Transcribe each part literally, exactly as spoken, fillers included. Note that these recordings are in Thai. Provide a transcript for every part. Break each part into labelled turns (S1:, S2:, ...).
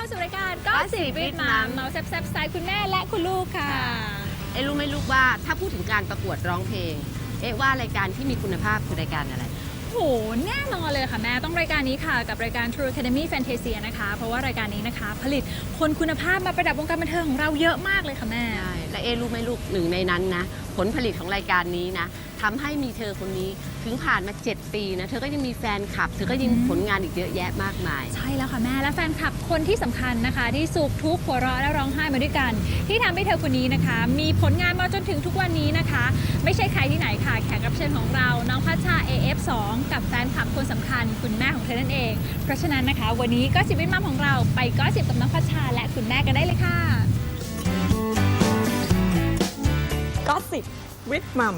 S1: สู่รายการก็สิบวิทมัมเมาแซ่บๆสไตล์คุณแม่และคุณลูกค่ะ
S2: เอ๊ะรู้ไหมลูกว่าถ้าพูดถึงการประกวดร้องเพลงเอ๊ะว่ารายการที่มีคุณภาพคือรายการอะไร
S1: โหแน่นอนเลยค่ะแม่ต้องรายการนี้ค่ะกับรายการ True Academy Fantasia นะคะเพราะว่ารายการนี้นะคะผลิตคนคุณภาพมาประดับวงการบันเทิงของเราเยอะมากเลยค่ะแม่
S2: ใช่และเอ๊ะรู้ไหมลูกหนึ่งในนั้นนะผลผลิตของรายการนี้นะทำให้มีเธอคนนี้ถึงผ่านมาเจ็ดปีนะเธอก็ยังมีแฟนคลับเธอก็ยังผลงานอีกเยอะแยะมากมาย
S1: ใช่แล้วค่ะแม่และแฟนคลับคนที่สำคัญนะคะที่สุขทุกข์หัวเราะและร้องไห้มาด้วยกันที่ทำให้เธอคนนี้นะคะมีผลงานมาจนถึงทุกวันนี้นะคะไม่ใช่ใครที่ไหนค่ะแขกรับเชิญของเราน้องพัชชา เอ เอฟ สอง กับแฟนคลับคนสำคัญคุณแม่ของเธอนั่นเองเพราะฉะนั้นนะคะวันนี้ก็สิบวิทมัมของเราไปก็สิบกับน้องพัชชาและคุณแม่กันได้เลยค่ะ
S3: ก็สิบวิทมัม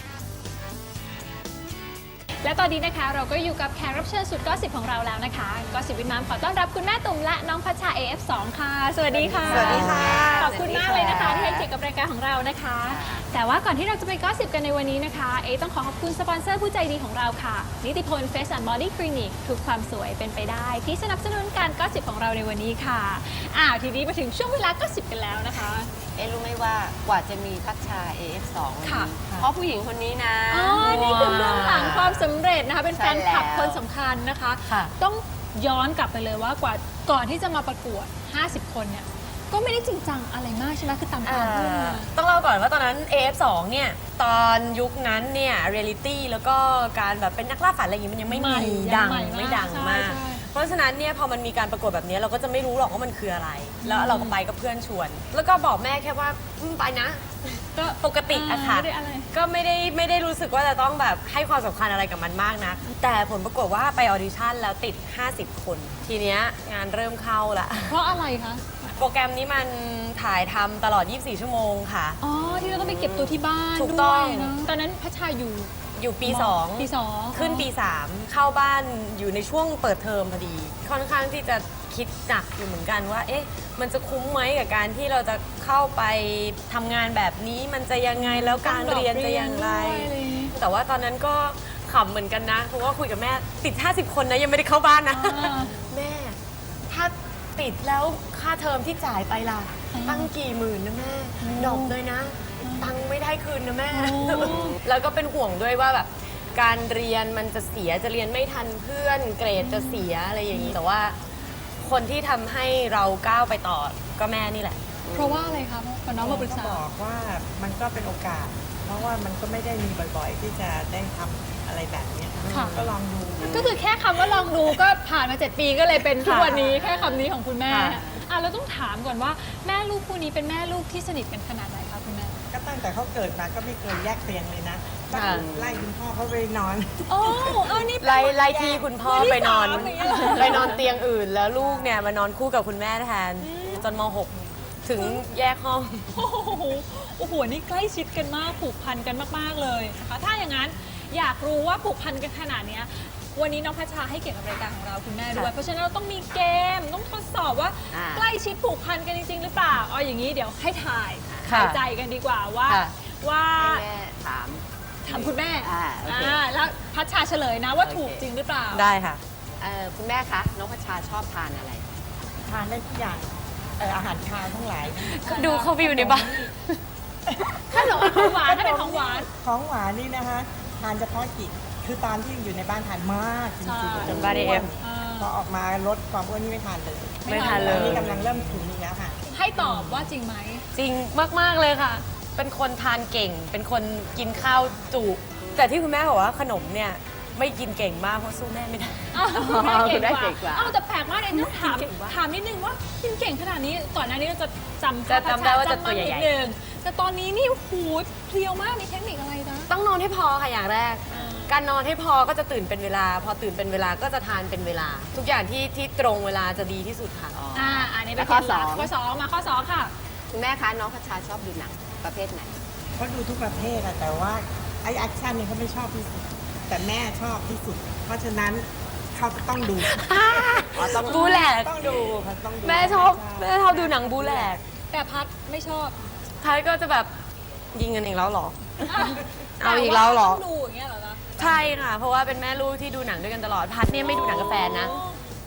S1: และตอนนี้นะคะเราก็อยู่กับแขกรับเชิญสุดก็สิบของเราแล้วนะคะก็สิบวิทมัมขอต้อนรับคุณแม่ตุ่มและน้องพัชชา เอ เอฟ สอง ค่ะสวัสดีค่ะ
S3: สวัสดีค่ะ
S1: ขอบคุณมากเลยนะคะที่ให้เกียรติกับรายการของเรานะคะแต่ว่าก่อนที่เราจะไปก็สิบกันในวันนี้นะคะเอต้องขอขอบคุณสปอนเซอร์ผู้ใจดีของเราค่ะนิติพล Face and Body Clinic ทุกความสวยเป็นไปได้ที่สนับสนุนการก็สิบของเราในวันนี้ค่ะอ้าวทีนี้มาถึงช่วงเวลาก็สิบกันแล้วนะคะ
S2: เอ๊ะรู้ไหมว่ากว่าจะมีพัชชา เอ เอฟ สอง
S1: ค่ะ
S2: เพราะผู้หญิงคนนี้นะ
S1: อ๋อนี่คือเบื้องหลังความสำเร็จนะคะเป็นแฟนคลับคนสำคัญนะคะต้องย้อนกลับไปเลยว่ากว่าก่อนที่จะมาประกวดห้าสิบคนเนี่ยก็ไม่ได้จริงจังอะไรมากใช่ไหมคือตามตามเพื่อน
S3: ต้องเล่าก่อนว่าตอนนั้น เอ เอฟ สอง เนี่ยตอนยุคนั้นเนี่ยเรียลิตี้แล้วก็การแบบเป็นนักล่าฝันอะไรอย่างนี้มันยังไม่มีดังไม่ดังมากเพราะฉะนั้นเนี่ยพอมันมีการประกวดแบบนี้เราก็จะไม่รู้หรอกว่ามันคืออะไรแล้วเราก็ไปกับเพื่อนชวนแล้วก็บอกแม่แค่ว่าไปนะก็ปกติอะค่ะก็ไม่ได้ไม่ได้รู้สึกว่าจะต้องแบบให้ความสำคัญอะไรกับมันมากนะแต่ผลปรากฏว่าไปออดิชั่นแล้วติดห้าสิบคนทีเนี้ยงานเริ่มเข้าละ
S1: เพราะอะไรคะ
S3: โปรแกรมนี้มันถ่ายทำตลอดยี่สิบสี่ชั่วโมงค่ะ
S1: อ๋อที่เราต้องไปเก็บตัวที่บ้าน
S3: ถูกต้อง
S1: ตอนนั้นพัชชาอยู่
S3: อยู่ปีสอง
S1: ปีสอง
S3: ขึ้นปีสามเข้าบ้านอยู่ในช่วงเปิดเทอมพอดีค่อนข้างที่จะคิดหนักอยู่เหมือนกันว่าเอ๊ะมันจะคุ้มไหมกับการที่เราจะเข้าไปทำงานแบบนี้มันจะยังไงแล้วการเรียนจะอย่างไรแต่ว่าตอนนั้นก็ขำเหมือนกันนะเพราะว่าคุยกับแม่ติดห้าสิบคนนะยังไม่ได้เข้าบ้านนะแม่ถ้าติดแล้วค่าเทอมที่จ่ายไปล่ะตั้งกี่หมื่นนะแม่ดอกเลยนะตังไม่ได้คืนนะแม่แล้วก็เป็นห่วงด้วยว่าแบบการเรียนมันจะเสียจะเรียนไม่ทันเพื่อนเกรดจะเสียอะไรอย่างนี้แต่ว่าคนที่ทำให้เราก้าวไปต่อก็แม่นี่แหละ
S1: เพราะว่าอะไรคะพอน้องมาปรึกษา
S4: บอกว่ามันก็เป็นโอกาสเพราะว่ามันก็ไม่ได้มีบ่อยๆที่จะได้ทำอะไรแบบนี้ก็ลองดู
S1: ก็คือแค่คำว่าลองดูก็ผ่านมาเจ็ดปีก็เลยเป็นทุกวันนี้แค่คำนี้ของคุณแม่อ่ะเราต้องถามก่อนว่าแม่ลูกคู่นี้เป็นแม่ลูกที่สนิทกันขนาดไหนคะคุณแม่
S4: ก็ตั้งแต่เขาเกิดมาก็ไม่เคยแยกเตียงเลยนะไล่คุณพ่อเขาไปนอน
S1: โอ้เออนี่
S3: ไล่ไล่ที่คุณพ่อไปนอนไปนอนเตียงอื่นแล้วลูกเนี่ยมานอนคู่กับคุณแม่แทนจนม หกถึงแยกห้อง
S1: โอ้โหโอ้โหนี่ใกล้ชิดกันมากผูกพันกันมากๆเลยนะคะถ้าอย่างนั้นอยากรู้ว่าผูกพันกันขนาดนี้วันนี้น้องพัชชาให้เกียรติกับรายการของเราคุณแม่ด้วยเพราะฉะนั้นเราต้องมีเกมต้องทดสอบว่าใกล้ชิดผูกพันกันจริงๆหรือเปล่าเอาอย่างนี้เดี๋ยวให้ถ่ายถ่ายใจกันดีกว่าว่าว่า
S2: แม่ถาม
S1: ถามคุณแม่แล้วพัชชาเฉลยนะว่าถูกจริงหรือเปล่า
S3: ได้ค่ะ
S2: คุณแม่คะน้องพัชชาชอบทานอะไร
S4: ทานได้ทุกอย่างอาหารคาวทั้งหลาย
S3: ดูเขาไปอยู่ในบ้าน
S1: ถ้าหลงของหวานถ้าเป็นของหวาน
S4: ของหวานนี่นะคะทานเฉพาะกิจคือตอนที่อยู่ในบ้านทานมากจริงๆ
S3: จนบ้านเอ็ม
S4: พอออกมาลดความอ้วนนี่ไม่ทานเลย
S3: ไม่ทานเลย
S4: นี่กำลังเริ่มถึงนี่แล้วค่ะ
S1: ให้ตอบว่าจริงไหม
S3: จริงมากๆเลยค่ะเป็นคนทานเก่งเป็นคนกินข้าวจุแต่ที่คุณแม่บอกว่าขนมเนี่ยไม่กินเก่งมากเพราะสู้แม่ไม่ได้
S1: แม่เก่งกว่าอ้าวแต่แปลกมากเลยต้องถามถามนิดนึงว่ากินเก่งขนาดนี้ก่อนหน้านี้เราจะจำ
S3: จะจำได้ว่าจะตัวใหญ่
S1: ๆแต่ตอนนี้นี่หูเพลียวมากมีเทคนิคอะไรนะ
S3: ต้องนอนให้พอค่ะอย่างแรกการนอนให้พอก็จะตื่นเป็นเวลาพอตื่นเป็นเวลาก็จะทานเป็นเวลาทุกอย่างที่ที่ตรงเวลาจะดีที่สุดค่ะ
S1: อ่าอันนี้เป็นข้อสองข้อสองมาข้อสองค่ะ
S2: คุณแม่คะน้องพัชชาชอบดูหนังประเภทไหน
S4: เขาดูทุกประเภทแต่ว่าไอแอคชั่นนี่เขาไม่ชอบที่สุดแต่แม่ชอบที่สุดเพราะฉะนั้นเขาต้องดู
S3: บูแหลก
S4: ต้องดูต้องดู
S3: แม่ชอบแม่ชอบดูหนังบูแหลก
S1: แต่พัดไม่ชอบ
S3: พัดก็จะแบบยิงกันอีกแล้วหรอเอาอีกแล้วหรอ
S1: ดูอย่างเงี้ยเหรอคะ
S3: ใช่ค่ะเพราะว่าเป็นแม่ลูกที่ดูหนังด้วยกันตลอดพัดเนี่ยไม่ดูหนังกับแฟนนะ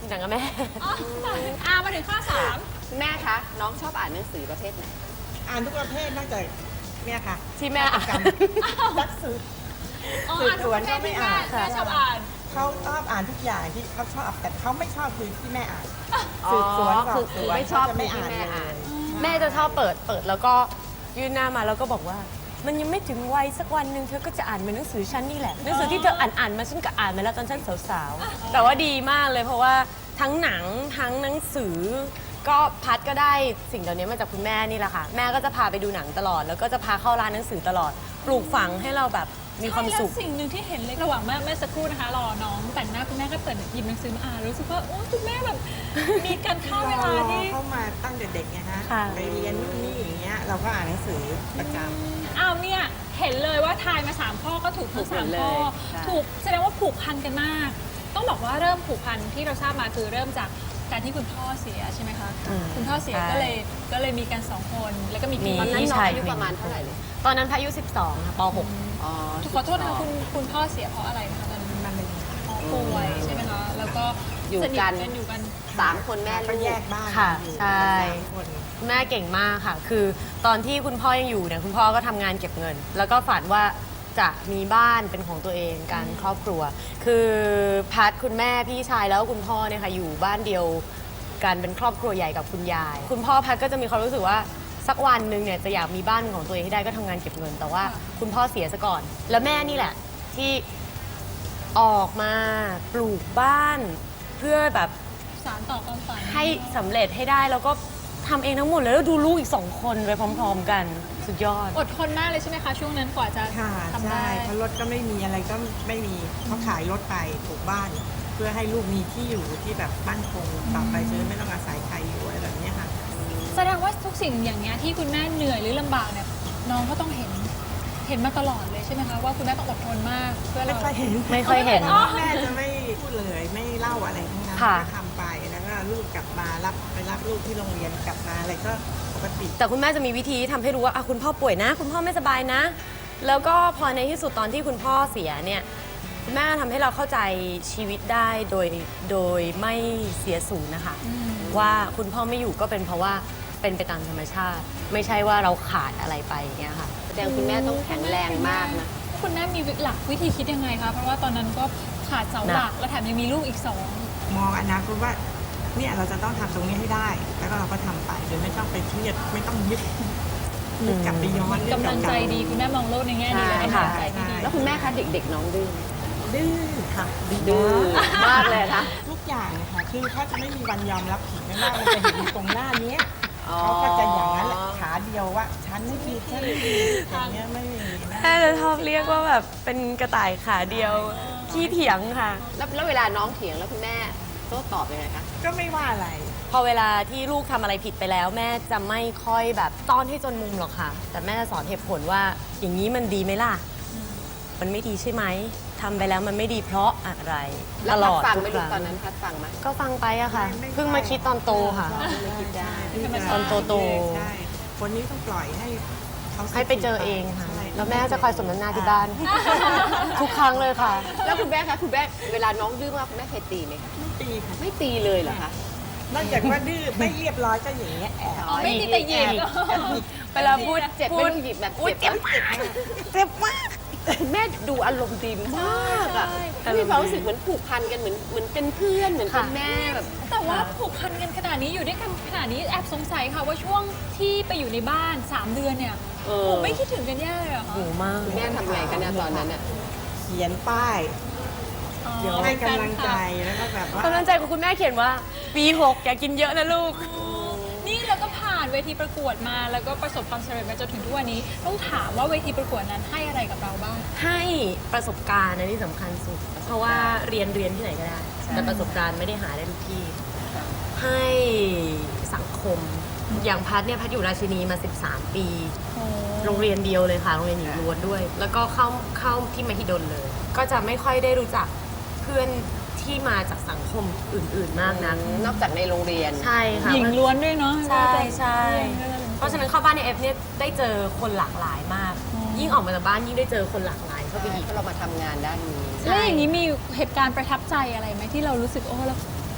S3: หนังกับแม่
S1: อ๋ออ่ามาถึงข้อสาม
S2: แม่คะ น้องชอบอ่านหนังสือประเภทไหน
S4: อ่านทุกประเภทนอกจากเนี่ยค่ะ
S3: ที่แม่อ่าน
S4: กรรมนักสืบ
S1: อ๋อ
S4: สืบสวน
S1: อ่านทุกประเภทที่
S4: ก็ไม่อ่าน
S1: แม่แม่ชอบอ่าน
S4: เขาชอบอ่านทุกอย่างที่เขาชอบแต่เขาไม่ชอบคือที่แม่อ่าน
S2: อ๋อ
S4: สืบสวนส
S2: คือ
S4: อบส
S2: คือ
S4: วน
S2: ไม่ชอบ
S4: เขาจะไม่
S2: ที่
S4: อ่าน
S2: แม่อ่าน
S4: เลย
S3: แม่จะชอบเปิดเปิดแล้วก็ยื่นหน้ามาแล้วก็บอกว่า มันยังไม่ถึงวัยสักวันหนึ่งเธอก็จะอ่านเหมือนหนังสือฉันนี่แหละหนังสือที่เธออ่านอ่านมาฉันก็อ่านมาแล้วตอนฉันสาวๆแต่ว่าดีมากเลยเพราะว่าทั้งหนังทั้งหนังสือ ก็พัดก็ได้สิ่งเหล่านี้มาจากคุณแม่นี่แหละค่ะแม่ก็จะพาไปดูหนังตลอด แล้วก็จะพาเข้าร้านหนังสือตลอด ปลูกฝังให้เราแบบมีความสุข
S1: ใช่แล้วสิ่งหนึ่งที่เห็นเลยระหว่างแม่แม่สักครู่นะคะรอน้องแต่งหน้าคุณแม่ก็เปิดหยิบหนังสือมาอ่านรู้สึกว่าโอ้คุณแม่แบบมีการเข้าเวลาที่
S4: เข้ามาตั้งแต่เด็กไงฮะ
S3: ค่ะ
S4: ไปเรียนนู่นนี่อย่างเงี้ยเราก็อ่านหนังสือประจำ
S1: อ้าวเนี่ยเห็นเลยว่าทายมาสามข้อก็ถูกทั้ง
S2: ถูกหม
S1: สาม
S2: ดเลย
S1: ข้อ
S2: ใช่
S1: ถูกแสดงว่าผูกพันกันมาก ต้องบอกว่าเริ่มผูกพันที่เราทราบมาคือเริ่มจากการที่คุณพ่อเสียใช่ไหมคะ
S3: อืม
S1: คุณพ่อเสีย
S3: ใช่
S1: ก็เลยก็เลยมีกันสองคนแล้วก็มี
S3: มี
S1: พี่
S2: ตอนนั้น
S3: พี่
S2: น้อง
S3: ชาย
S2: อายุประมาณเท่าไหร่เลย
S3: ตอนนั้นพายุสิบสองค่ะป .หก
S2: อ๋อ
S1: ขอโทษนะคะคุณคุณพ่อเสียเพราะอะไรนะคะตอนนั้น
S4: มันเป็น
S1: อ๋อป่วยใช่ไหมคะแล้วก็
S2: อยู่
S1: สนิท
S2: กัน
S1: กันอยู่กัน
S2: สามคนแม่
S4: ก็
S2: ลู
S4: แย
S2: ก
S4: กบ้าน
S3: ค่ะ
S4: อยู่
S3: ใช่
S4: สามคน
S3: แม่เก่งมากค่ะ คือตอนที่คุณพ่อยังอยู่เนี่ยคุณพ่อก็ทำงานเก็บเงิน แล้วก็ฝันว่าจะมีบ้านเป็นของตัวเองการครอบครัว คือพัดคุณแม่พี่ชายแล้วก็คุณพ่อเนี่ยค่ะอยู่บ้านเดียวกันเป็นครอบครัวใหญ่กับคุณยาย คุณพ่อพัดก็จะมีความรู้สึกว่าสักวันหนึ่งเนี่ยจะอยากมีบ้านของตัวเองให้ได้ก็ทำงานเก็บเงิน แต่ว่าคุณพ่อเสียซะก่อน แล้วแม่นี่แหละที่ออกมาปลูกบ้านเพื่อแบบ
S1: สารต่อความฝัน
S3: ให้สำเร็จให้ได้แล้วก็ทำเองทั้งหมดเลยแล้วดูลูกอีกสองคนไปพร้อม ๆ กันสุดยอด
S1: อดทนมากเลยใช่ไหมคะช่วงนั้นกว่าจะ
S4: ค่ะ
S1: ทำ
S4: ใช่
S1: ได้
S4: เพราะรถก็ไม่มีอะไรก็ไม่มีเขาขายรถไปปลูกบ้าน เพื่อให้ลูกมีที่อยู่ที่แบบมั่นคงต่อไปจะได้ไม่ต้องอาศัยใครอยู่อะไรแบบเนี้ยค่ะ
S1: แสดงว่าทุกสิ่งอย่างเงี้ยที่คุณแม่เหนื่อยหรือลำบากเนี่ยน้องก็ต้องเห็นเห็นมาตลอดเลยใช่ไหมคะว่าคุณแม่ต้องอดทนมากเพื่อ
S4: ไม่
S1: เรา
S4: ค่อยเห็น
S3: ไม่ค่อยเห็น
S1: อ๋อ
S4: แม่จะไม่พูดเลยไม่เล่าอะไรทั้งนั้น
S3: ค่ะ
S4: ก็ทำไปแล้วก็ลูกกลับมารับไปรับลูกที่โรงเรียนกลับมาอะไรก็ปกติ
S3: แต่คุณแม่จะมีวิธีทำให้รู้ว่าอ่ะคุณพ่อป่วยนะ คุณพ่อไม่สบายนะ แล้วก็พอในที่สุดตอนที่คุณพ่อเสียเนี่ยคุณแม่ทำให้เราเข้าใจชีวิตได้โดยโดยไม่เสียสูญนะคะ
S1: อืม
S3: ว่าคุณพ่อไม่อยู่ก็เป็นเพราะว่าเป็นไปตามธรรมชาติ ไม่ใช่ว่าเราขาดอะไรไปอย่างเงี้ยค่ะ
S2: แสดงคุณแม่ต้องแข็งแรงมากนะ
S1: คุณแม่มีหลักวิธีคิดยังไงคะเพราะว่าตอนนั้นก็ขาดเสาหลักแล้วแถมยังมีลูกอีกสอง
S4: มองอนาคตว่าเนี่ยเราจะต้องทำตรงนี้ให้ได้ แล้วก็เราก็ทำไปโดยไม่ต้องไปเครียดไม่ต้องยึดนึกกลับไปย้อนเรื่อง
S1: กำลังใจ
S4: เาๆ
S1: ดีคุณแม่มองโลกในแง่ดีและให้
S3: ใช่
S1: กำลังใจที่ดี
S2: แล้วคุณแม่คะเด็กๆน้องดื้อไหม
S4: ดื้อค่ะ
S2: ดื้อมากเลยนะ
S4: ทุกอย่างนะคะคือเขาจะไม่มีวันยอมรับผิดไม่ว่ามันจะเห็นอยู่ตรงหน้าเนี้ย
S2: อ๋อ
S4: เขาก็จะอย่างนั้นแหละขาเดียวว่าฉันไม่ผิดฉันไม่ผิดอย่างเงี้ยไม่มีนะ
S3: แม่จะชอบเรียกว่าแบบเป็นกระต่ายขาเดียวขี้เถียงค่ะ
S2: แล้วแล้วเวลาน้องเถียงแล้วคุณแม่โต้ตอบยังไงคะ
S4: ก็ไม่ว่าอะไร
S3: พอเวลาที่ลูกทำอะไรผิดไปแล้ว แม่จะไม่ค่อยแบบต้อนให้จนมุมหรอกค่ะ แต่แม่จะสอนเหตุผลว่าอย่างนี้มันดีไหมล่ะ มันไม่ดีใช่ไหมทำไปแล้วมันไม่ดีเพราะอะไร
S2: แล้
S3: ต
S2: ว
S3: ล
S2: พัด
S3: อด
S2: ฟัง
S3: ทุ
S2: ไหม
S3: กค
S2: ลูก
S3: รั้ง
S2: ตอนนั้นพัดฟังไหม
S3: ก็ฟังไปอะค่ะ
S4: ไม่
S3: เพิ่งมาคิดตอนโตค่ะ
S4: ไม่คิดได้ที่จะ
S3: ตอนโตๆ
S4: ใช่คนนี้ต้องปล่อยให้เขา
S3: ให้ไปเจอเองค่ะ
S4: ใช่
S3: แล้วแม่จะคอยสมน้ำหน้าที่บ้าน ทุกครั้งเลยค่ะ
S2: แล้วคุณแม่คะคุณแม่เวลาน้องดื้อมากคุณแม่เคยตีไหมคะ
S4: ไม่ตีค่ะ
S2: ไม่ตีเลยเหรอคะ
S4: นอกจากว่าดื้อไม่เรียบร้อยก็อย่างเงี้ยแอบ
S1: อ๋อไม่ตีแต่หยิบ
S4: แอบหยิบ
S3: เวลาพูด
S2: เจ็บ
S3: พู
S2: ไม่
S3: ด
S2: ต้องหยิบแบบ
S3: อุ๊ย
S2: เจ็บมาก
S4: เจ็บมาก
S2: แม่ดูอารมณ์ดีมากอะ
S3: ใช่
S2: มีความรู้สึกเหมือนผูกพันกันเหมือนเหมือนเป็นเพื่อนเหมือนเป็น
S3: ค่ะ
S2: แม่แบบ
S1: แต่ว่าผูกพันกันขนาดนี้อยู่ด้วยกันขนาดนี้แอบสงสัยค่ะว่าช่วงที่ไปอยู่ในบ้าน สาม เดือนเนี่ย
S2: เออ
S1: ผมไม่คิดถึงกันแย่เลยเหรอคะ
S3: โหมาก
S2: คุณแม่ทำไงกันเนี่ยตอนนั้นอะ
S4: เขียนป้าย
S1: อ๋อ
S4: เดี๋ยวให้กำลังใจแล้วก็แบบว่า
S3: กำลังใจของคุณแม่เขียนว่าปีหกอย่ากินเยอะนะลูก
S1: นี่เราก็ผ่านเวทีประกวดมาแล้วก็ประสบความสำเร็จมาจนถึงทุกวันนี้ ต้องถามว่าเวทีประกวดนั้นให้อะไรกับเราบ้าง
S3: ให้ประสบการณ์นะที่สำคัญสุด เพราะว่าเรียนเรียนที่ไหนก็ได้ แต่ประสบการณ์ไม่ได้หาได้ทุกที่ ให้สังคม อย่างพัดเนี่ยพัดอยู่ราชินีมา สิบสาม ปี โรงเรียนเดียวเลยค่ะ โรงเรียนหญิงล้วนด้วย แล้วก็เข้าเข้าที่มหิดลเลย ก็จะไม่ค่อยได้รู้จักเพื่อนที่มาจากสังคมอื่น ๆ มากนัก
S2: นอกจากในโรงเรียน
S3: ใช่ค่ะ
S1: หญิงล้วนด้วยเนาะ
S3: ใช่ใช่
S1: เพ
S3: เพ
S1: ราะ
S3: ราะ
S1: ฉะ
S3: ฉะ
S1: นั้น
S3: นั้นเข้าบ้านในเอฟเนี่ยได้เจอคนหลากหลายมาก
S1: อ๋อ
S3: ยิ่งออกมาจากบ้านยิ่งได้เจอคนหลากหลายเข้าไปอีก
S2: เพราะเรามาทำงานด้านนี้
S1: แล้วอย่างนี้มีเหตุการณ์ประทับใจอะไรไหมที่เรารู้สึกโอ้เรา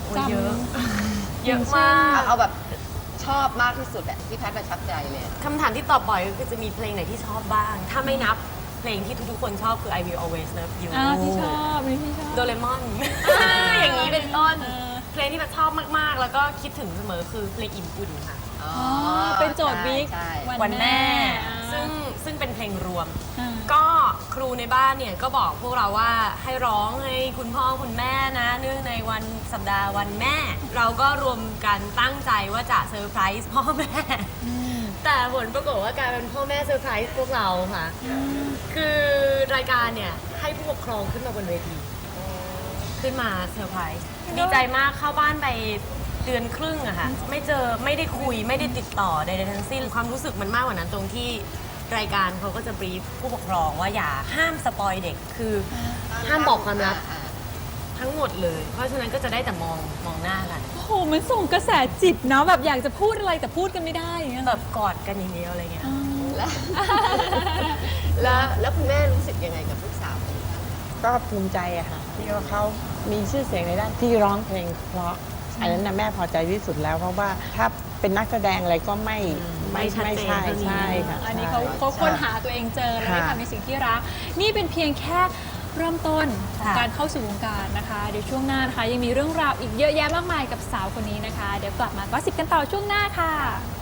S3: โอ้ย
S1: จำ
S3: เยอะ เยอะมาก
S2: เอาแบบชอบมากที่สุดอะที่แพทย์ประทับใจเลยอะ
S3: คำถามที่ตอบบ่อยก็คือจะมีเพลงไหนที่ชอบบ้าง ถ้าไม่นับเพลงที่ทุกๆคนชอบคือ I Will Always Love You
S1: อ้าวที่ชอบนี่ที่ชอบ
S3: โดเรมอน อย่างนี้เป็นต้น เพลงที่แบบชอบมากๆ แล้วก็คิดถึงเสมอคือเพลงอิ่มอุ่นค่ะ
S2: อ๋อ
S1: อ๋อเป็นโจทย์วิก
S2: ใช่
S3: วันแม่
S1: อ่า
S3: ซึ่งซึ่งเป็นเพลงรวม
S1: อ่า
S3: ก็ครูในบ้านเนี่ยก็บอกพวกเราว่าให้ร้องให้คุณพ่อคุณแม่นะ เนื่องในวันสัปดาห์วันแม่ เราก็รวมกันตั้งใจว่าจะเซอร์ไพรส์พ่อแม่ แต่ผลปรากฏว่ากลายเป็นพ่อแม่เซอร์ไพรส์พวกเราค่ะ คือรายการเนี่ยให้ผู้ปกครองขึ้นมาบนเวที ขึ้นมาเซอร์ไพรส์ดีใจมากเข้าบ้านไปเดือนครึ่งอะค่ะ ไม่เจอไม่ได้คุยไม่ได้ติดต่อใดๆทั้งสิ้นความรู้สึกมันมากกว่านั้นตรงที่รายการเขาก็จะบรีฟผู้ปกครองว่าอย่าห้ามสปอยเด็กคือห้ามบอกความลับ
S2: อ่า
S3: ทั้งหมดเลย เพราะฉะนั้นก็จะได้แต่มองมองหน้ากัน
S1: โอ้โหมันส่งกระแสจิตเนาะแบบอยากจะพูดอะไรแต่พูดกันไม่ได้อย่างเงี้ย
S3: แบบกอดกันอย่างเดียวอะไรเงี้ย
S1: อ่า
S2: แล้ว แล้วแล้วคุณแม่รู้สึกยังไงกับลูกสาวคนนี้บ้าง
S4: ก็ภูมิใจอะค่ะที่ว่าเขามีชื่อเสียงในด้านที่ร้องเพลงเพราะอันนั้นนะแม่พอใจที่สุดแล้ว เพราะว่าถ้าเป็นนักแสดงอะไรก็ไม่
S3: ไม่ชัดเจน
S4: ใช่
S3: เท่านี้
S4: ใช่ค่ะ
S1: อันนี้
S4: ใช่
S1: เขาเขาค้นหาตัวเองเจอแล้วได้
S4: ค่ะ
S1: ทำในสิ่งที่รัก นี่เป็นเพียงแค่เริ่มต้นของ
S3: ค่ะ
S1: การเข้าสู่วงการนะคะ เดี๋ยวช่วงหน้านะคะยังมีเรื่องราวอีกเยอะแยะมากมายกับสาวคนนี้นะคะ เดี๋ยวกลับมาก็สิบกันต่อช่วงหน้าค่ะ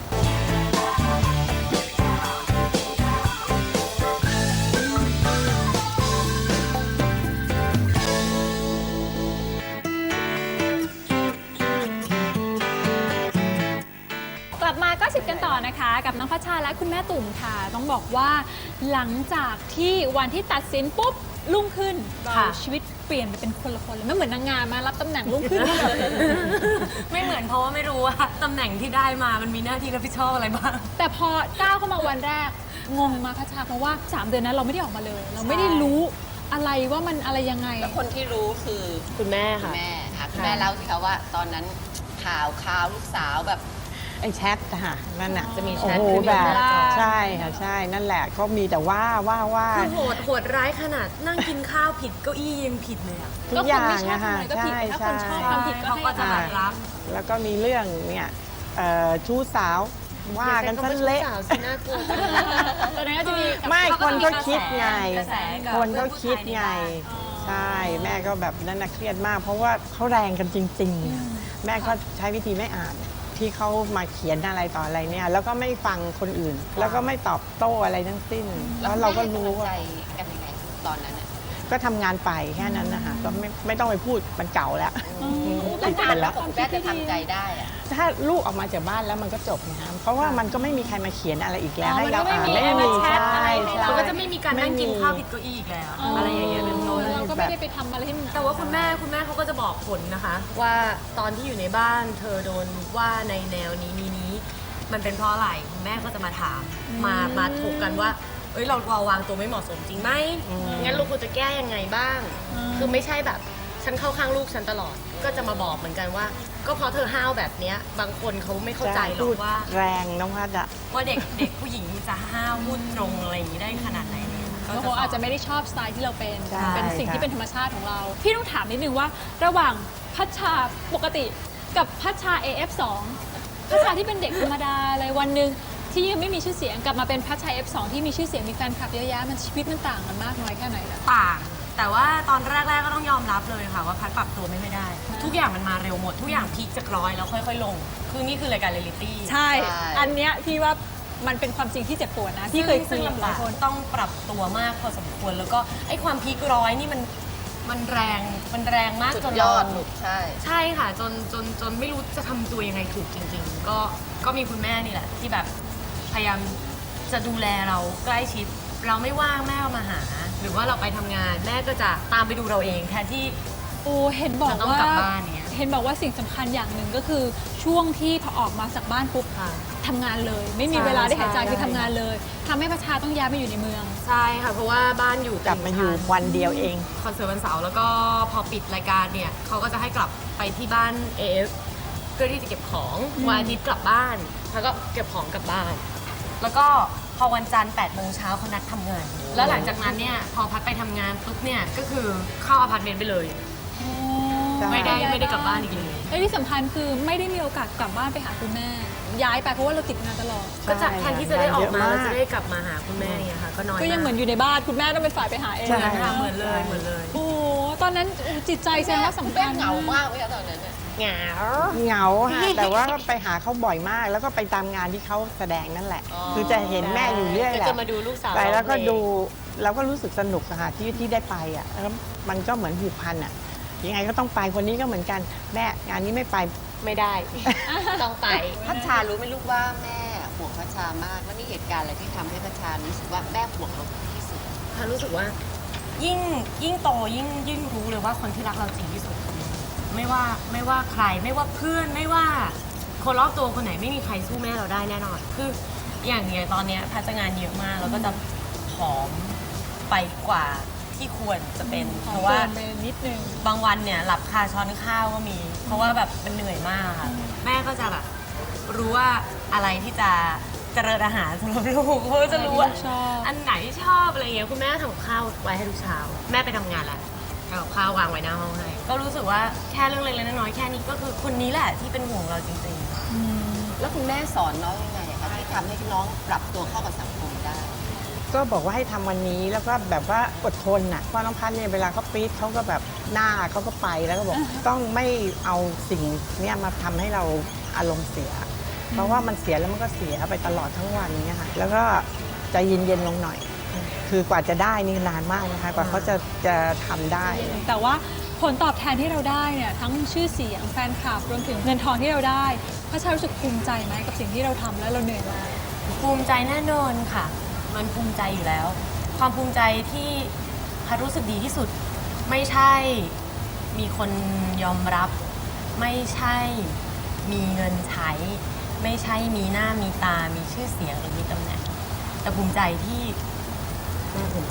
S1: กลับมาก็สิบกันต่อนะคะ กับน้องพัชชาและคุณแม่ตุ่มค่ะ ต้องบอกว่าหลังจากที่วันที่ตัดสินปุ๊บรุ่งขึ้นเรา
S3: ค่ะ
S1: ชีวิตเปลี่ยนไปเป็นคนละคนเลยไม่เหมือนนางงามมารับตำแหน่งรุ่งขึ้นเลย
S3: ไม่เหมือนเพราะว่าไม่รู้ว่าตำแหน่งที่ได้มามันมีหน้าที่รับผิดชอบอะไรบ้าง
S1: แต่พอก้าวเข้ามาวันแรกงงมาพัชชาเพราะว่าสามเดือนนั้นเราไม่ได้ออกมาเลย เราไม่ได้รู้อะไรว่ามันอะไรยังไง
S2: แล้วคนที่รู้คือ
S3: คุณแม่
S2: คุณ
S3: ค่ะ
S2: แม่ค่ะคุณแม่เล่าสิคะว่าตอนนั้นข่าวข่าวลูกสาวแบบ
S4: ไอ้แชทอะค่ะนั่นน่ะ
S3: จะมีแช
S4: โอ้
S3: ท
S4: โห
S3: คือมี
S4: แบบ
S3: เวลา
S4: ใช่ค่ะใช่นั่นแหละเขามีแต่ว่าว่าว่า
S3: คือโหดโหดร้ายขนาดนั่งกินข้าวผิดเก้าอี้ยังผิดเลยอะ
S4: ทุ
S1: ก็
S4: ก
S1: ค
S4: อน ย่าง
S1: ไม่ชอบ
S4: อะค่ะ
S1: ทำอะไรก็ผิด
S4: ใช่
S1: ถ้าคนชอบ
S4: ใช่
S1: ทำผิดก็
S3: เขา
S1: ให้
S3: ก็จะ
S1: อ
S3: แบ
S1: ภั
S3: บ
S1: ย
S3: รับ
S4: แล้วก็มีเรื่องเนี่ยเอ่อชู้สาวว่ากันซะเละ
S3: อย่าใช้คำว่าชู้สาวสิน่ากลัวจังเลย
S1: ตอนนั้นก็จะมีกับ
S4: ไม่
S3: เขา
S4: ค
S3: ก็
S4: น
S3: มี
S4: ก็
S3: กระแส
S4: คิดไง
S3: กระแสกับ
S4: คนก็
S3: เพื่อนผู้
S4: คิด
S3: ชายใน
S4: ไง
S3: บ้าน
S4: ใช่แม่ก็แบบนั่นนะเครียดมาก เพราะว่าเขาแรงกันจริงๆอะแม่ก็ใช้วิธีไม่อ่าน ที่เขามาเขียนอะไรต่ออะไรเนี่ย แล้วก็ไม่ฟังคนอื่น แล้วก็ไม่ตอบโต้อะไรทั้งสิ้น แล้วเราก็รู้
S2: ใจ
S4: ว่า
S2: กันยังไงตอนนั้นน่ะ
S4: ก็ทำงานไปแค่นั้นนะคะก็ไม่ไม่ต้องไปพูดมันเก่าแล้ว
S2: แล้ว
S4: ติดไปแล้ว
S2: คุณแม่จะทำใจได้อะ
S4: ถ้าลูกออกมาจากบ้านแล้วมันก็จบนะคะเพราะว่ามันก็ไม่มีใครมาเขียนอะไรอีกแล้ว
S1: อ๋อ
S4: ให้เรา
S1: มันก็
S4: อ่าน
S1: ไม่มี
S4: ไม่มี
S1: แชทอะไร
S4: ใช่
S1: ให้
S4: ใช่
S1: เรา
S3: มันก็จะไม่มีการนั่งกิน
S4: ไม่มี
S3: ข้าวผิดเก้าอี้อีกแล้ว อะไรอย่างเงี้ยเป็นต้น
S1: เราก็ไม่ได้ไปทำอะไรที่มัน
S3: แต่ว่าคุณแม่คุณแม่เขาก็จะบอกผลนะคะ ว่าตอนที่อยู่ในบ้านเธอโดนว่าในแนวนี้นี้นี้ มันเป็นเพราะอะไรคุณแม่ก็จะมาถามมามาถกกันว่าเอ้ยเราเราวางตัวไม่เหมาะสมจริงไหมงั้นเราควรจะแก้ยังไงบ้าง คือไม่ใช่แบบฉันเข้าข้างลูกฉันตลอด ก็จะมาบอกเหมือนกันว่า ก็เพราะเธอห้าวแบบเนี้ยบางคนเขาไม่เข้าใจหรอ
S4: พูด
S3: กว่า
S4: แรงน้องพัดอะ
S3: ว่าเด็กเด็กผู้หญิงจะห้าวมุ่นตรงอะไรอย่างนี้ได้ขนาดไหนเนี่ยก็
S1: บาง
S3: จะ
S1: คน
S3: ส
S1: อาจจะไม่ได้ชอบสไตล์ที่เราเป็น
S4: ใช่
S1: เป็นสิ่งที่
S4: ค่ะ
S1: เป็นธรรมชาติของเรา พี่ต้องถามนิดนึงว่า ระหว่างพัชชาปกติกับพัชชา เอ เอฟ สอง พัชชาที่เป็นเด็กธรรมดาเลยวันหนึ่งที่ยังไม่มีชื่อเสียงกลับมาเป็นพัชชา เอ เอฟ สอง ที่มีชื่อเสียงมีแฟนคลับเยอะแยะมันชีวิตมันต่างกันมากน้อยแค่ไหนล่ะ
S3: ต่างแต่ว่าตอนแรก ๆ ก็ต้องยอมรับเลยค่ะว่าพัดปรับตัวไม่ได้ ทุกอย่างมันมาเร็วหมด ทุกอย่างพีคจากร้อยแล้วค่อยๆ ลง คือนี่คือรายการเรียลลิตี้
S1: ใช่ อันเนี้ยพี่ว่ามันเป็นความจริงที่เจ็บปวดนะที่เคยคุ
S3: ซึ่
S1: ย
S3: ง
S1: กับห
S3: ลำ
S1: ลา
S3: บาย ก
S1: คน
S3: ต้องปรับตัวมากพอสมควร แล้วก็ไอ้ความพีคร้อยนี่มันมันแรงมันแรงมาก
S2: สุด
S3: จน
S2: ย
S3: เรา
S2: อดลูกใช่
S3: ใช่ค่ะจนจนจนไม่รู้จะทำตัวยังไงถูกจริง ๆ ก็ก็มีคุณแม่นี่แหละ ที่แบบพยายามจะดูแลเราใกล้ชิด เราไม่ว่างแม่เอามาหา หรือว่าเราไปทำงานแม่ก็จะตามไปดูเราเองแทนที่
S1: โอ้เห็นบอก
S3: เราต้อง
S1: ว่าก
S3: ลับบ้านเนี่ย
S1: เห็นบอกว่าสิ่งสำคัญอย่างหนึ่งก็คือช่วงที่พอออกมาจากบ้านปุ๊บ
S3: ค่ะ
S1: ทำงานเลย ไม่มี
S3: ใช่
S1: เวลาได้หายใจ
S3: ใช่
S1: คือทำงานเลยทำให้ประชาต้องย้ายมาอยู่ในเมือง
S3: ใช่ค่ะ เพราะว่าบ้านอยู่
S4: กลับมาอยู่วันเดียวเอง
S3: คอนเสิร์ตวันเสาร์แล้วก็พอปิดรายการเนี่ยเขาก็จะให้กลับไปที่บ้าน เอ เอฟ เพื่อที่จะเก็บของวันอาทิตย์กลับบ้านแล้วก็เก็บของกลับบ้าน แล้วก็พอวันจันทร์แปดโมงเช้าเขานัดทำงาน แล้วหลังจากนั้นเนี่ยพอพัดไปทำงานปุ๊บเนี่ยก็คือเข้าอพาร์ตเมนต์ไปเลย
S4: ใช่
S3: ไม่ได้ไม่ได้กลับบ้านอีกเลย
S1: และที่สำคัญคือไม่ได้มีโอกาสกลับบ้านไปหาคุณแม่ ย้ายไปเพราะว่าเราติดงานตลอด
S3: ก็จะแทนที่จะได้ออกมา
S4: เยอะมาก
S3: เราจะได้กลับมาหาคุณแม่เนี่ยค่ะก็น้อย
S1: ก็ยังเหมือนอยู่ในบ้านคุณแม่ต้องเป็นฝ่ายไปหาเอง
S4: ใช่
S3: ค่ะเหมือนเลยเหมือนเลย
S1: โอ้โหตอนนั้นจิตใจแสดงว่าสำคัญ
S2: เหงามากเลยตอนนั้น
S3: เหงา
S4: เหงาค่ะ แต่ว่าก็ไปหาเขาบ่อยมาก แล้วก็ไปตามงานที่เขาแสดงนั่นแหละ
S2: อ๋อ
S4: คือจะเห็นแม่อยู่เรื่อยแห
S3: ก็
S4: ละ
S3: จะมาดูลูกสาว
S4: ไปแล้วก็
S3: ร้องเพลง
S4: ดูเราก็รู้สึกสนุกอะค่ะที่ที่ได้ไปอ่ะแล้วมันก็เหมือนผูกพันอ่ะยังไงก็ต้องไปคนนี้ก็เหมือนกันแม่งานนี้ไม่ไป
S3: ไม่ได้ ต้องไป
S2: พัชชารู้ไหมลูกว่าแม่ห่วงพัชชามาก แล้วมีเหตุการณ์อะไรที่ทำให้พัชชารู้สึกว่าแม่ห่วงเราที่สุด
S3: ค่ะรู้สึกว่ายิ่งยิ่งโตยิ่งยิ่งรู้เลยว่าคนที่รักเราจริงที่สุดคือไม่ว่าไม่ว่าใครไม่ว่าเพื่อนไม่ว่าคนรอบตัวคนไหนไม่มีใครสู้แม่เราได้แน่นอนคืออย่างเนี้ยตอนเนี้ยพัชงานเยอะมากแล้วก็จะผอมไปกว่าที่ควรจะเป็น
S1: ขอ
S3: เพราะว่า
S1: เตือนไปนิดนึง
S3: บางวันเนี่ยหลับคาช้อนข้าวก็มี เพราะว่าแบบมันเหนื่อยมากค่ะแม่ก็จะแบบรู้ว่าอะไรที่จะเจริญอาหารสำหรับลูกเขาจะรู้ว่า
S1: อะไรที่ลูกชอบ
S3: อันไหนที่ชอบอะไรเงี้ยคุณแม่ทำกับข้าวไว้ให้ทุกเช้าแม่ไปทำงานแล้วทำกับข้าววางไว้หน้าห้องให้ก็รู้สึกว่าแค่เรื่องเล็กๆน้อยๆแค่นี้ก็คือคนนี้แหละที่เป็นห่วงเราจริงๆ
S2: แล้วคุณแม่สอนน้องยังไงอะคะที่ทำให้น้องปรับตัวเข้ากับสังคมได้
S4: ก็บอกว่าให้ทำวันนี้แล้วก็แบบว่าอดทนน่ะเพราะน้องพัดเนี่ยเวลาเขาปี๊ดเขาก็แบบหน้าเขาก็ไปแล้วก็บอกต้องไม่เอาสิ่งเนี้ยมาทำให้เราอารมณ์เสีย เพราะว่ามันเสียแล้วมันก็เสียไปตลอดทั้งวันเนี่ยค่ะแล้วก็ใจเย็นๆลงหน่อย คือกว่าจะได้นี่นานมากนะคะกว่าเขาจะจะทำได้
S1: แต่ว่าผลตอบแทนที่เราได้เนี่ยทั้งชื่อเสียงแฟนคลับรวมถึงเงินทองที่เราได้พระชารู้สึกภูมิใจไหมกับสิ่งที่เราทำแล้วเราเหนื่อยมา
S3: ภูมิใจแน่นอนค่ะ มันภูมิใจอยู่แล้ว ความภูมิใจที่พัดรู้สึกดีที่สุด ไม่ใช่มีคนยอมรับ ไม่ใช่มีเงินใช้ ไม่ใช่มีหน้ามีตา มีชื่อเสียงหรือมีตำแหน่ง แต่ภูมิใจที่แม่ภูมิใจ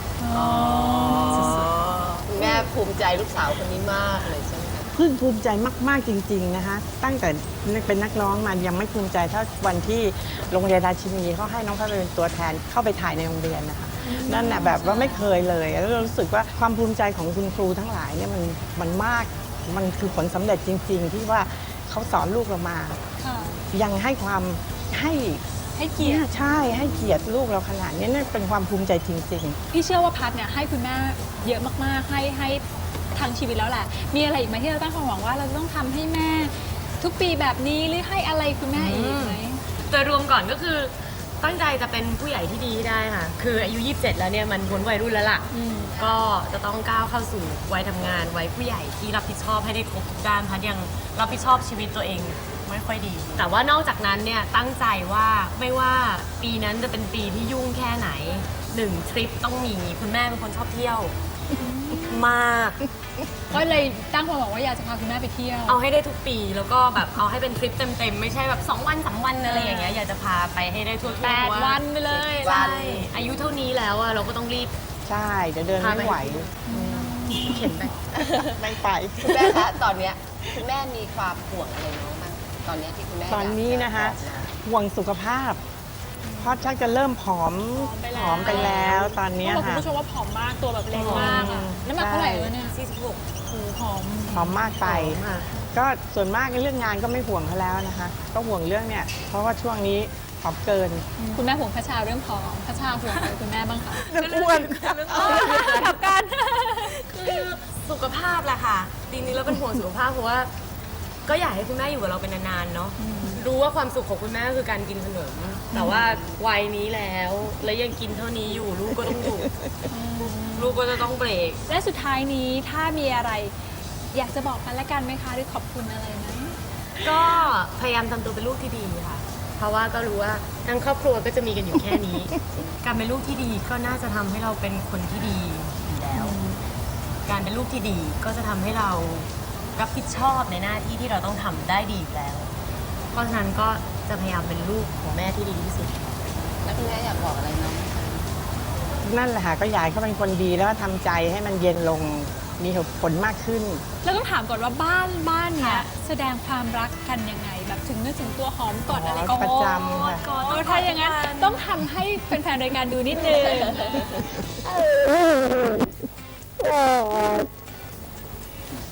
S2: คุณแม่ภูมิใจลูกสาวคนนี้มากเลยใช่ไหมคะ
S4: พึ่งภูมิใจมากๆจริงๆนะคะตั้งแต่เป็นนักร้องมายังไม่ภูมิใจเท่าวันที่โรงเรียนราชินีเขาให้น้องพัดเป็นตัวแทนเข้าไปถ่ายในโรงเรียนนะคะนั่นแหะแบบว่าไม่เคยเลยแล้วเรารู้สึกว่าความภูมิใจของคุณครูทั้งหลายเนี่ยมันมันมากมันคือผลสำเร็จจริง ๆ ที่ว่าเขาสอนลูกเรามา
S1: ค่ะ
S4: ยังให้ความให้
S1: ให้เกียรติ
S4: ใช่ให้เกียรติลูกเราขนาดนี้นั่นเป็นความภูมิใจจริง ๆ
S1: พี่เชื่อว่าพัดเนี่ยให้คุณแม่เยอะมากๆให้ให้ทางชีวิตแล้วแหละมีอะไรอีกไหมที่เราตั้งความหวังว่าเราจะต้องทำให้แม่ ทุกปีแบบนี้หรือให้อะไรคุณแม่อีกไหม
S3: โดยรวมก่อนก็คือตั้งใจจะเป็นผู้ใหญ่ที่ดีให้ได้ค่ะ คืออายุยี่สิบเจ็ดแล้วเนี่ยมันพ้นวัยรุ่นแล้วล่ะ
S1: อืม
S3: ก็จะต้องก้าวเข้าสู่วัยทำงานวัยผู้ใหญ่ที่รับผิดชอบให้ได้ครบทุกด้านพัดยังรับผิดชอบชีวิตตัวเองไม่ค่อยดี แต่ว่านอกจากนั้นเนี่ยตั้งใจว่าไม่ว่าปีนั้นจะเป็นปีที่ยุ่งแค่ไหนหนึ่งทริปต้องมีคุณแม่เป็นคนชอบเที่ยวมาก
S1: ก็เลยตั้งความหวังว่าอยากจะพาคุณแม่ไปเที่ยว
S3: เอาให้ได้ทุกปีแล้วก็แบบเอาให้เป็นทริปเต็มๆไม่ใช่แบบสองวันสามวันอะไรอย่างเงี้ยอยากจะพาไปให้ได้ทั่วๆ
S1: แปดวันไปเลย
S3: ใช่อายุเท่านี้แล้วอะเราก็ต้องรีบ
S4: ใช่เดี๋ยวเดินไม่ไหว
S3: เข็นไป
S4: ไม่ไป
S2: คุณแม่คะตอนเนี้ยคุณแม่มีความห่วงอะไรน้องบ้างตอนเนี้ยที่คุณแม่
S4: ตอนนี้นะคะ
S2: อยากจบอก
S4: ห่วงสุขภาพ เพราะชักจะเริ่มผอมผอมไปแล้วตอนเนี้ย
S1: ต้องบอกคุณ
S4: ค่ะ
S1: ผู้ชมว่าผอมมากตัวแบบเล็กมากอะ
S4: อืม
S1: น้ำหนักเท่าไหร่แล้วเนี่ย
S3: สี่สิบหก
S1: โอ้โหผอม
S4: ผอมมากไป
S3: ค่ะ
S4: ก็ส่วนมากเรื่องงานก็ไม่ห่วงเขาแล้วนะคะ ก็ห่วงเรื่องเนี่ย เพราะว่าช่วงนี้ผอมเกิน
S1: คุณแม่ห่วงพระชาเรื่องผอมพระชาห่วงอะไรคุณแม่บ้างคะ
S4: เรื่องอ้วน
S1: กลับกัน
S3: คือสุขภาพแหละค่ะทีนี้เราเป็นห่วงสุขภาพเพราะว่า ก็อยากให้คุณแม่อยู่กับเราเป็นนานๆเนาะรู้ว่าความสุขของคุณแม่ก็คือการกินขนมแต่ว่าวัยนี้แล้ว แล้วยังกินเท่านี้อยู่ลูกก็ต้องอยู่ลูกก็จะต้องเบรก
S1: และสุดท้ายนี้ถ้ามีอะไร อยากจะบอกกันและกันไหมคะหรือขอบคุณอะไรไหม
S3: ก็พยายามทำตัวเป็นลูกที่ดีค่ะ เพราะว่าก็รู้ว่าทั้งครอบครัวก็จะมีกันอยู่แค่นี้ การเป็นลูกที่ดีก็น่าจะทำให้เราเป็นคนที่ดีอยู่แล้ว การเป็นลูกที่ดีก็จะทำให้เรารับผิดชอบในหน้าที่ที่เราต้องทำได้ดีอยู่แล้ว เพราะฉะนั้นก็จะพยายามเป็นลูกของแม่ที่ดีที่สุด
S2: แล้วคุณแม่อยากบอกอะไรน้องไหมคะ
S4: นั่นแหละค่ะก็อยากให้เขาเป็นคนดีแล้วก็ทำใจให้มันเย็นลงมีเหตุผลมากขึ้น
S1: แล้วต้องถามก่อนว่าบ้านบ้านเนี้ยแสดงความรักกันยังไง แบบถึงนึกถึงตัวหอมกอดอะไรก็
S4: ประจำค่ะ
S1: โอ้ถ้าอย่างนั้นต้องทำให้แฟนๆรายการดูนิดนึง
S4: เ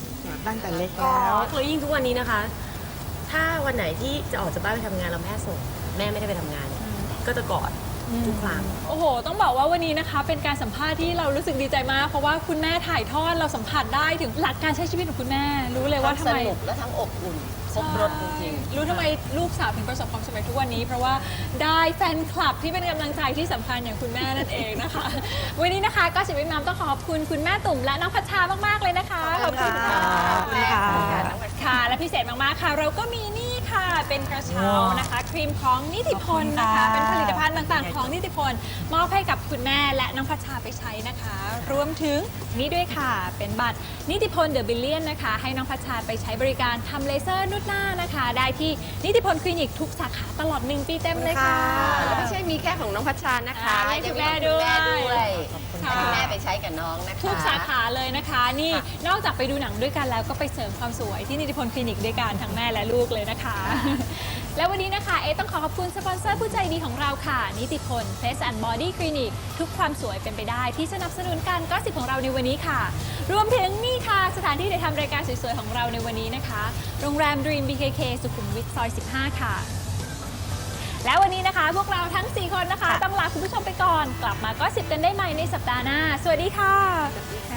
S4: ตั้งแต่เล็ก
S3: ก็
S4: แล้ว
S3: แล้วยิ่งทุกวันนี้นะคะ ถ้าวันไหนที่จะออกจากบ้านไปทำงานเราแม่ส่ง แม่ไม่ได้ไปทำงาน ก็จะกอดทุกครั้ง
S1: โอ้โห ต้องบอกว่าวันนี้นะคะ เป็นการสัมภาษณ์ที่เรารู้สึกดีใจมาก เพราะว่าคุณแม่ถ่ายทอดเราสัมผัสได้ถึงหลักการใช้ชีวิตของคุณแม่ รู้เลยว่า
S2: ทั้ง
S1: ทำ
S2: ส
S1: ไม
S2: นุกและทั้งอบอุ่นครบรถจริงๆ
S1: รู้ทำไมลูกสาวถึงประสบความสำเร็จทุกวันนี้ เพราะว่าได้แฟนคลับที่เป็นกำลังใจที่สำคัญอย่างคุณแม่นั่นเองนะคะ วันนี้นะคะก็สิบวิมามต้องขอบคุณคุณแม่ตุ่มและน้องพัชชามากๆเลยนะคะขอบคุณค่ะ
S4: ขอบคุณค่ะ
S1: ค่ะและพิเศษมากๆค่ะ เราก็มีนี่ค่ะเป็นกระเช้านะคะครีมของนิติพลนะคะเป็นผลิตภัณฑ์ต่างๆของนิติพลมอบให้กับคุณแม่และน้องพัชชาไปใช้นะคะ รวมถึงนี่ด้วยค่ะเป็นบัตรนิติพลเดอะบิลเลียนนะคะให้น้องพัชชาไปใช้บริการทำเลเซอร์นวดหน้านะคะ ได้ที่นิติพลคลินิกทุกสาขาตลอดหนึ่งปีเต็มเลยค่ะ
S2: แล้วไม่ใช่มีแค่ของน้องพัชชานะคะ
S1: อ่าให้คุณแม่
S2: ยังมีของคุณแม่
S1: ด้
S2: ด้
S1: ว
S2: วย ย
S1: ค่ะ
S2: ให้คุณแม่ไปใช้กับน้องนะคะ
S1: ทุกสาขาเลยนะคะ นี่นอกจากไปดูหนังด้วยกันแล้วก็ไปเสริมความสวยที่นิติพลคลินิกด้วยกันทั้งแม่และลูกเลยนะคะ แล้ววันนี้นะคะเอต้องขอขอบคุณสปอนเซอร์ผู้ใจดีของเราค่ะ นิติพล Face and Body Clinic ทุกความสวยเป็นไปได้ที่สนับสนุนการก็สิบของเราในวันนี้ค่ะ รวมถึงนี่ค่ะสถานที่ถ่ายทำรายการสวยๆของเราในวันนี้นะคะ โรงแรม Dream บี เค เค สุขุมวิทซอยสิบห้าค่ะ แล้ววันนี้นะคะ พวกเราทั้งสี่คนนะคะต้องลาคุณผู้ชมไปก่อน กลับมาก็สิบกันได้ใหม่ในสัปดาห์หน้า สวัสดีค่ะ